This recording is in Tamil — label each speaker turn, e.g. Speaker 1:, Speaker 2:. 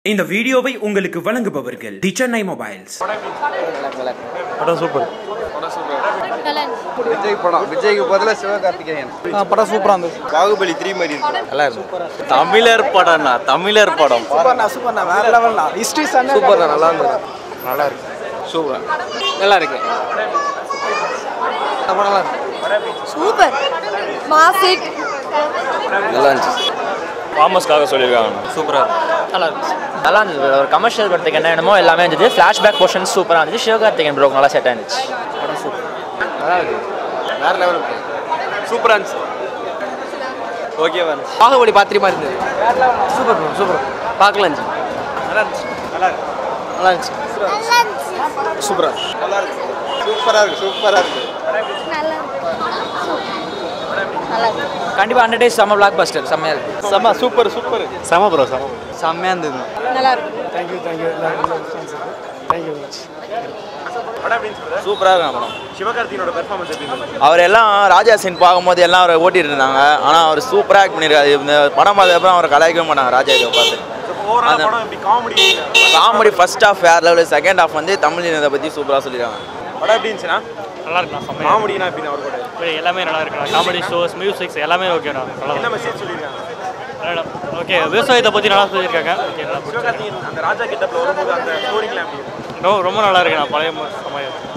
Speaker 1: இந்த வீடியோவை உங்களுக்கு வழங்குபவர்கள் தி சென்னை மொபைல்ஸ்.
Speaker 2: படம் சூப்பர்.
Speaker 3: விஜய்க்கு பதிலா சிவகார்த்திகேயன்.
Speaker 2: படம் சூப்பரா இருந்துச்சு.
Speaker 3: பாகுபலி 3 மாதிரி இருக்கு.
Speaker 2: நல்லா இருக்கு. தமிழர் படம்னா தமிழர் படம்.
Speaker 4: சூப்பர்ண்ணா வேற லெவல்ண்ணா. ஹிஸ்டரி
Speaker 3: சூப்பர்ண்ணா நல்லா இருந்தது.
Speaker 2: நல்லா இருக்கு.
Speaker 3: சூப்பர்.
Speaker 4: நல்லா இருக்கு.
Speaker 3: நல்லா இருக்கு.
Speaker 5: சூப்பர். மாசிட்
Speaker 3: நல்லா இருந்துச்சு.
Speaker 2: தாமஸ்காக சொல்லியிருக்காங்க.
Speaker 4: சூப்பரா இருக்கு.
Speaker 6: நல்லா இருந்துச்சு. நல்லா இருந்துச்சு. ஒரு கமர்ஷியல் படத்துக்கு என்ன வேணுமோ எல்லாமே இருந்துச்சு. ஃப்ளாஷ்பேக் போர்ஷன் சூப்பராக இருந்துச்சு. சிவகார்த்திகேயன் ப்ரோ நல்லா செட் ஆயிருந்துச்சு. படம் சூப்பர்.
Speaker 3: நல்லா இருக்கு. வேற லெவல் இருக்கு.
Speaker 4: சூப்பரா இருந்துச்சு.
Speaker 3: ஓகேவா இருந்துச்சு.
Speaker 4: பாகுபலி பாத்திரமா இருந்தது. Super bro super. பார்க்கலாம்.
Speaker 3: நல்லா இருந்துச்சு. நல்லா இருக்கு.
Speaker 4: நல்லா இருந்துச்சு.
Speaker 3: சூப்பரா. நல்லா இருக்கு. சூப்பரா இருக்கு. சூப்பரா இருக்கு.
Speaker 5: நல்லா
Speaker 6: கண்டிப்பாக 100 days செம்ம பிளாக் பஸ்டர். செம்மையாக இருக்கு.
Speaker 3: செம சூப்பர் சூப்பர்.
Speaker 2: செம ப்ரோ செம.
Speaker 6: செம்மையாக இருந்தது.
Speaker 5: நல்லா இருக்கு.
Speaker 4: தேங்க்யூ
Speaker 2: சூப்பராக இருக்காங்க படம்.
Speaker 3: சிவகார்த்திகேயனோட பெர்ஃபார்மன்ஸ் எப்படி இருந்துச்சு?
Speaker 2: அவர் எல்லாம் ராஜா சீன் பார்க்கும்போது எல்லாம் அவரை ஓட்டிட்டு இருந்தாங்க. ஆனால் அவர் சூப்பராக ஆக்ட் பண்ணியிருக்காரு. இந்த படம் பார்த்ததுக்கப்புறம் அவரை கலாய்க்கவே மாட்டாங்க ராஜா இதை பார்த்து.
Speaker 3: ஓவரால் படம் எப்படி
Speaker 2: காமெடி ஃபர்ஸ்ட் ஹாஃப் வேறு லெவலில், செகண்ட் ஹாஃப் வந்து தமிழ் இனத்தை பற்றி சூப்பராக சொல்லியிருக்காங்க.
Speaker 3: படம் எப்படி இருந்துச்சுன்னா?
Speaker 7: நல்லா இருக்குண்ணா. செம்மையாக
Speaker 3: காமெடினா எப்படி அவர் கூட
Speaker 7: எல்லாமே நல்லா இருக்குண்ணா. காமெடி ஷோஸ், மியூசிக்ஸ் எல்லாமே ஓகேண்ணா. நல்லா
Speaker 3: என்ன மெசேஜ் சொல்லியிருக்காங்க?
Speaker 7: ஓகே, விவசாயத்தை பற்றி நல்லா சொல்லியிருக்காங்க. ஓகே, நல்லா
Speaker 3: சிவகார்த்திகேயன் அந்த ராஜா கிட்டப்ல வரும்போது அந்த ஸ்டோரிலாம் எப்படி இருக்கு?
Speaker 7: ரொம்ப நல்லா இருக்குண்ணா. பழைய சமயம்